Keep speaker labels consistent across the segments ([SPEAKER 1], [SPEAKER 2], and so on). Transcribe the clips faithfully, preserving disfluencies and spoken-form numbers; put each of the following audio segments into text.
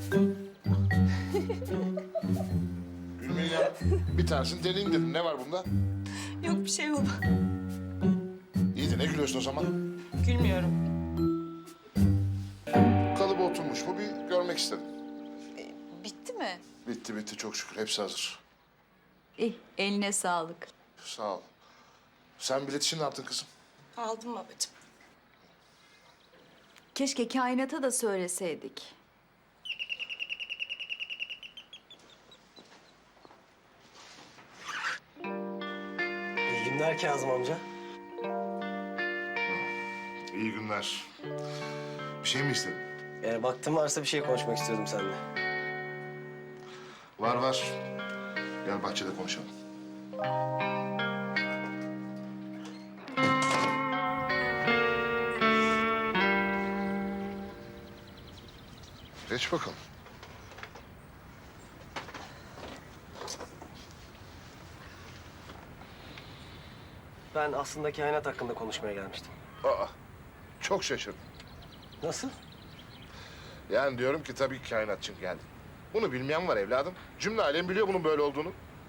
[SPEAKER 1] Gülmeyin ya. Bir tanesini deneyeyim dedim. Ne var bunda?
[SPEAKER 2] Yok bir şey baba.
[SPEAKER 1] İyi de ne gülüyorsun o zaman?
[SPEAKER 2] Gülmüyorum.
[SPEAKER 1] Kalıbı oturmuş mu bir görmek istedim.
[SPEAKER 2] Bitti mi?
[SPEAKER 1] Bitti bitti çok şükür. Hepsi hazır.
[SPEAKER 3] İyi, eline sağlık.
[SPEAKER 1] Sağ ol. Sen bilet için ne yaptın kızım?
[SPEAKER 2] Aldım babacığım.
[SPEAKER 3] Keşke kainata da söyleseydik.
[SPEAKER 4] İyi günler Kazım amca.
[SPEAKER 1] İyi günler. Bir şey mi istedin?
[SPEAKER 4] Eğer vaktin varsa bir şey konuşmak istiyordum seninle.
[SPEAKER 1] Var var. Gel bahçede konuşalım. Geç bakalım.
[SPEAKER 4] Ben aslında kainat hakkında konuşmaya gelmiştim.
[SPEAKER 1] Aa, çok şaşırdım.
[SPEAKER 4] Nasıl?
[SPEAKER 1] Yani diyorum ki tabii ki kainat için geldim. Bunu bilmeyen var evladım. Cümle alem biliyor bunun böyle olduğunu.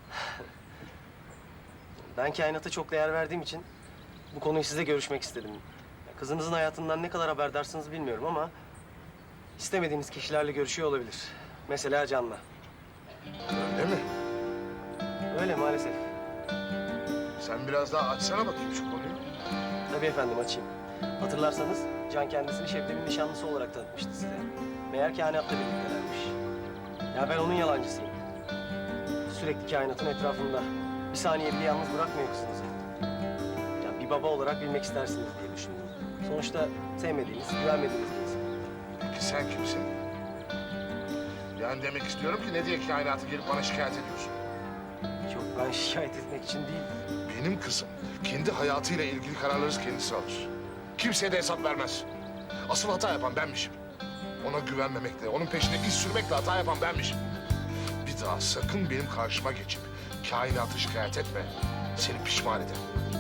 [SPEAKER 4] Ben kainata çok değer verdiğim için bu konuyu size görüşmek istedim. Kızınızın hayatından ne kadar haberdarsınız bilmiyorum ama istemediğiniz kişilerle görüşüyor olabilir. Mesela Can'la.
[SPEAKER 1] Öyle mi?
[SPEAKER 4] Öyle maalesef.
[SPEAKER 1] Sen biraz daha açsana bakayım şu konuyu.
[SPEAKER 4] Tabii efendim açayım. Hatırlarsanız Can kendisini Şebnem'in nişanlısı olarak tanıtmıştı size. Meğer kainatla birliktelermiş. Ya ben onun yalancısıyım. Sürekli kainatın etrafında. Bir saniye bile yalnız bırakmıyor kızınızı. Ya bir baba olarak bilmek istersiniz diye düşündüm. Sonuçta sevmediğiniz, güvenmediğiniz bir insan.
[SPEAKER 1] Peki sen kimsin? Yani demek istiyorum ki ne diye kainatı gelip bana şikayet ediyorsun?
[SPEAKER 4] Yok ben şikayet etmek için değil.
[SPEAKER 1] Benim kızım kendi hayatıyla ilgili kararları kendisi alır. Kimseye de hesap vermez. Asıl hata yapan benmişim. Ona güvenmemekle, onun peşinde iz sürmekle hata yapan benmişim. Bir daha sakın benim karşıma geçip kainatı şikayet etme. Seni pişman ederim.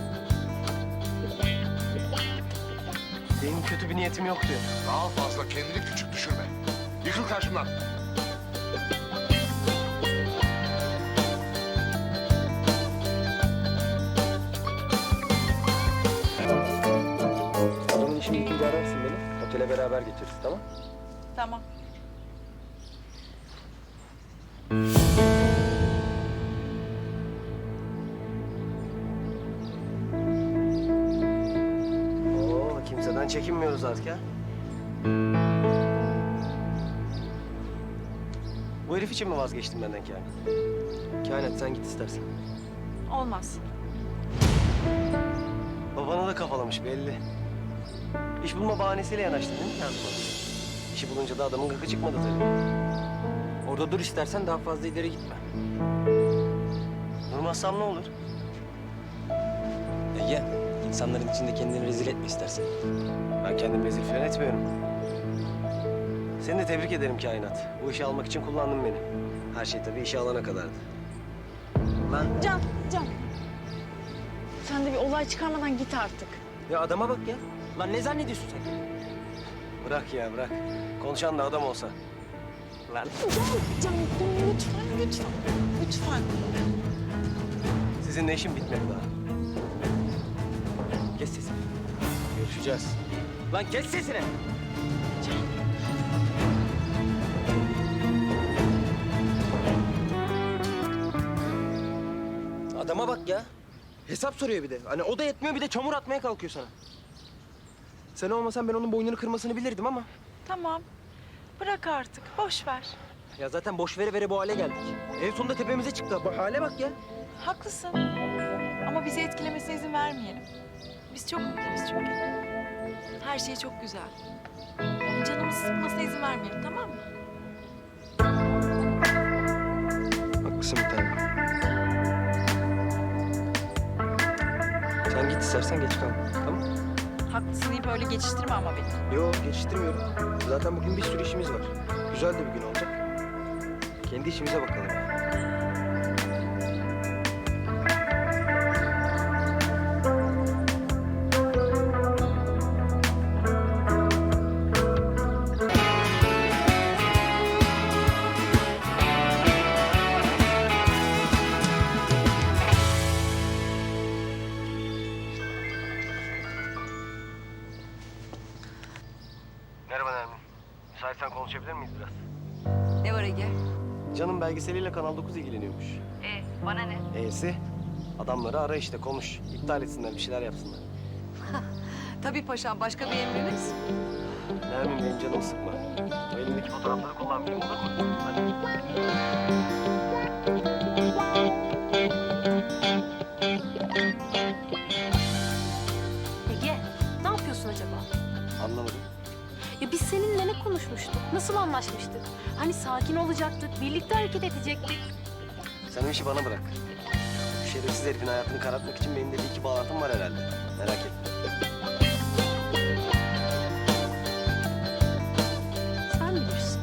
[SPEAKER 4] Benim kötü bir niyetim yok diyor.
[SPEAKER 1] Daha fazla kendini küçük düşürme. Yıkıl karşımdan.
[SPEAKER 4] Adamın işini bitince ararsın beni. Otele beraber geçeriz tamam?
[SPEAKER 2] Tamam.
[SPEAKER 4] Oo kimseden çekinmiyoruz artık ha. Bu herif için mi vazgeçtin benden Kainat? Kainat sen git istersen.
[SPEAKER 2] Olmaz.
[SPEAKER 4] Babana da kafalamış belli. İş bulma bahanesiyle yanaştın değil mi Kazım abi? İşi bulunca da adamın gıkı çıkmadı tabii. Orada dur istersen daha fazla ileri gitme. Durmazsam ne olur?
[SPEAKER 5] Ege, insanların içinde kendini rezil etme istersen.
[SPEAKER 4] Ben kendimi rezil falan etmiyorum. Seni de tebrik ederim Kainat. Bu işi almak için kullandın beni. Her şey tabii işe alana kadardı. Lan
[SPEAKER 6] Can, Can. Sen de bir olay çıkarmadan git artık.
[SPEAKER 5] Ya adama bak ya. Lan ne zannediyorsun sen?
[SPEAKER 4] bırak ya bırak. Konuşan da adam olsa. Lan
[SPEAKER 6] Can, Can dur lütfen, lütfen, lütfen.
[SPEAKER 4] sizinle işim bitmedi daha.
[SPEAKER 5] Kes sesini.
[SPEAKER 4] Görüşeceğiz.
[SPEAKER 5] Lan kes sesini. Adama bak ya. Hesap soruyor bir de. Hani o da yetmiyor bir de çamur atmaya kalkıyor sana. Sen olmasan ben onun boynunu kırmasını bilirdim ama.
[SPEAKER 2] Tamam. Bırak artık. Boş ver.
[SPEAKER 5] Ya zaten boş vere vere bu hale geldik. En sonunda tepemize çıktı. Bu hale bak ya.
[SPEAKER 2] Haklısın. Ama bizi etkilemesine izin vermeyelim. Biz çok mutluyuz çünkü. Her şey çok güzel. Onun canımızı sıkmasına izin vermeyelim, tamam mı?
[SPEAKER 4] Haklısın bir tanem. Sen git istersen geç kal. Tamam?
[SPEAKER 2] Haklısın deyip öyle geçiştirme ama beni.
[SPEAKER 5] Yok geçiştirmiyorum. Zaten bugün bir sürü işimiz var. Güzel de bir gün olacak. Kendi işimize bakalım.
[SPEAKER 4] Merhaba Nermin. Müsaitsen konuşabilir miyiz biraz?
[SPEAKER 3] Ne var Ege?
[SPEAKER 4] Canım belgeseliyle Kanal dokuz ilgileniyormuş.
[SPEAKER 3] E, bana ne?
[SPEAKER 4] E'si? Adamları ara işte konuş. İptal etsinler bir şeyler yapsınlar.
[SPEAKER 3] Tabii paşam, başka bir emriniz?
[SPEAKER 4] Nermin benim canımı sıkma. O elindeki fotoğrafları kullanmayayım olur mu? Hadi.
[SPEAKER 7] Ege, ne yapıyorsun acaba?
[SPEAKER 4] Anlamadım.
[SPEAKER 7] Ya biz seninle ne konuşmuştuk? Nasıl anlaşmıştık? Hani sakin olacaktık, birlikte hareket edecektik.
[SPEAKER 4] Sen o işi bana bırak. Bu şerefsiz herifin hayatını karartmak için benim de bir iki bağlantım var herhalde. Merak etme.
[SPEAKER 7] Sen bilirsin.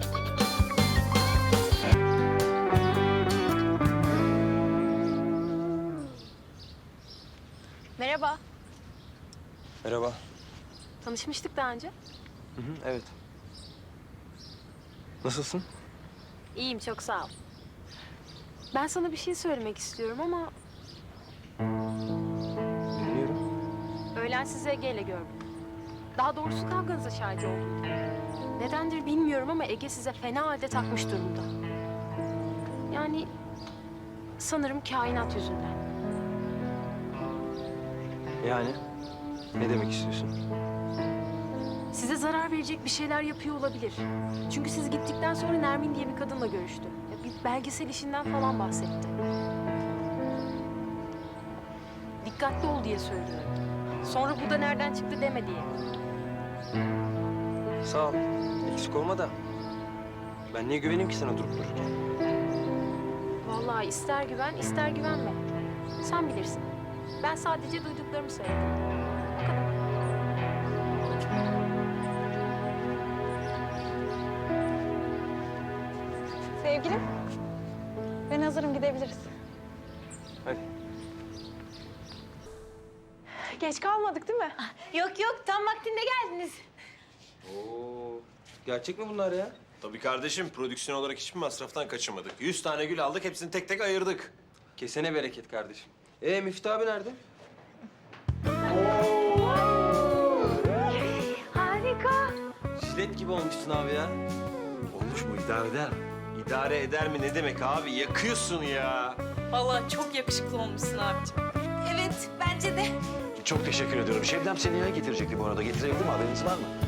[SPEAKER 7] Merhaba.
[SPEAKER 5] Merhaba.
[SPEAKER 7] Tanışmıştık daha önce.
[SPEAKER 5] Hı hı, evet. Nasılsın?
[SPEAKER 7] İyiyim, çok sağ ol. Ben sana bir şey söylemek istiyorum ama
[SPEAKER 5] Dinliyorum.
[SPEAKER 7] öğlen sizi Ege ile gördüm. Daha doğrusu kavganıza şahit oldum. Nedendir bilmiyorum ama Ege size fena halde takmış durumda. Yani sanırım kainat yüzünden.
[SPEAKER 5] Yani? Ne demek istiyorsun?
[SPEAKER 7] Size zarar verecek bir şeyler yapıyor olabilir. Çünkü siz gittikten sonra Nermin diye bir kadınla görüştü. Ya bir belgesel işinden falan bahsetti. Dikkatli ol diye söylüyorum. Sonra bu da nereden çıktı deme diye.
[SPEAKER 5] Sağ ol. Eksik olma da. Ben niye güveneyim ki sana durup dururken?
[SPEAKER 7] Vallahi ister güven, ister güvenme. Sen bilirsin. Ben sadece duyduklarımı söyledim. O kadar.
[SPEAKER 6] Sevgilim, ben hazırım, gidebiliriz.
[SPEAKER 5] Hadi.
[SPEAKER 6] Geç kalmadık değil mi?
[SPEAKER 7] Yok yok, tam vaktinde geldiniz.
[SPEAKER 5] Oo. Gerçek mi bunlar ya?
[SPEAKER 8] Tabii kardeşim, prodüksiyon olarak hiçbir masraftan kaçınmadık. Yüz tane gül aldık, hepsini tek tek ayırdık.
[SPEAKER 5] Kesene bereket kardeşim. Ee Müftü abi nerede?
[SPEAKER 7] Harika.
[SPEAKER 5] Jilet gibi olmuşsun abi ya.
[SPEAKER 8] Olmuş mu, idare eder mi? İdare eder mi ne demek abi? Yakıyorsun ya.
[SPEAKER 2] Vallahi çok yakışıklı olmuşsun abicim. Evet, bence de.
[SPEAKER 9] Çok teşekkür ediyorum. Şebnem seni ya getirecekti bu arada. Getirebildi mi? Haberiniz var mı?